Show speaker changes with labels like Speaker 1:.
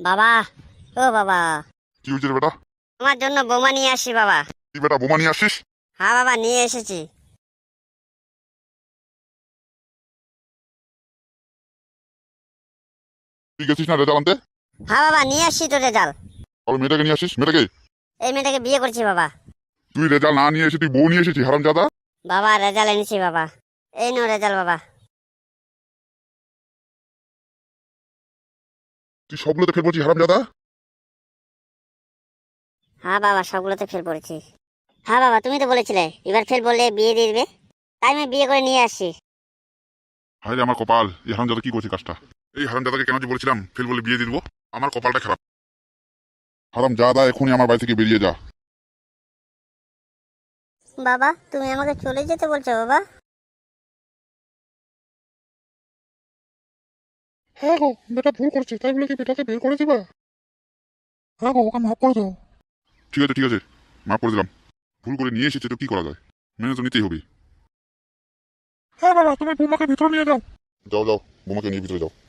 Speaker 1: বাবা, ও বাবা,
Speaker 2: কি হয়েছে রে বেটা?
Speaker 1: তোমার জন্য বোমা নিয়ে আসি বাবা।
Speaker 2: কি বেটা বোমা নিয়ে আসিস?
Speaker 1: হ্যাঁ বাবা, নিয়ে এসেছি।
Speaker 2: তুই গেছিস না রেজাল্ট আনতে?
Speaker 1: হ্যাঁ বাবা, নিয়ে আসছি তো রেজাল্ট।
Speaker 2: আর মেয়েটাকে নিয়ে আসিস, মেয়েটাকে?
Speaker 1: এই মেয়েটাকে বিয়ে করছি বাবা।
Speaker 2: তুই রেজাল্ট না নিয়ে এসে তুই বউ নিয়ে এসেছিস হারামজাদা।
Speaker 1: বাবা রেজাল্ট এনেছি বাবা। এই নো রেজাল্ট বাবা।
Speaker 2: তুই সবগুলোতে ফেল বলছিস হারামজাদা।
Speaker 1: হ্যাঁ বাবা, সবগুলোতে ফেল পড়েছি। হ্যাঁ বাবা, তুমি তো বলেছিলে এবার ফেল বললে বিয়ে দিয়ে দিবে, তাই আমি বিয়ে করে নিয়ে আসছি।
Speaker 2: হায় রে আমার কপাল, এই হারামজাদা কি করছে কাজটা? এই হারামজাদাকে কেন যে বলেছিলাম ফেল বলে বিয়ে দিয়ে দিবো। আমার কপালটা খারাপ। হারামজাদা এখনই আমার বাড়ি থেকে বেরিয়ে যা।
Speaker 1: বাবা, তুমি আমাকে চলে যেতে বলছো বাবা?
Speaker 3: হ্যাঁ গো, বেটা ভুল করেছে তাই বলে কি বেটাকে বের করে দিবা? হ্যাঁ গো, ওকে মাফ করে দাও।
Speaker 2: ঠিক আছে ঠিক আছে, মাফ করে দিলাম। ভুল করে নিয়ে এসেছে তো কি করা যায়, মেনে তো নিতেই হবে।
Speaker 3: হ্যাঁ বাবা, তুমি বৌমাকে ভিতরে নিয়ে যাও।
Speaker 2: যাও যাও, বোমাকে নিয়ে ভিতরে যাও।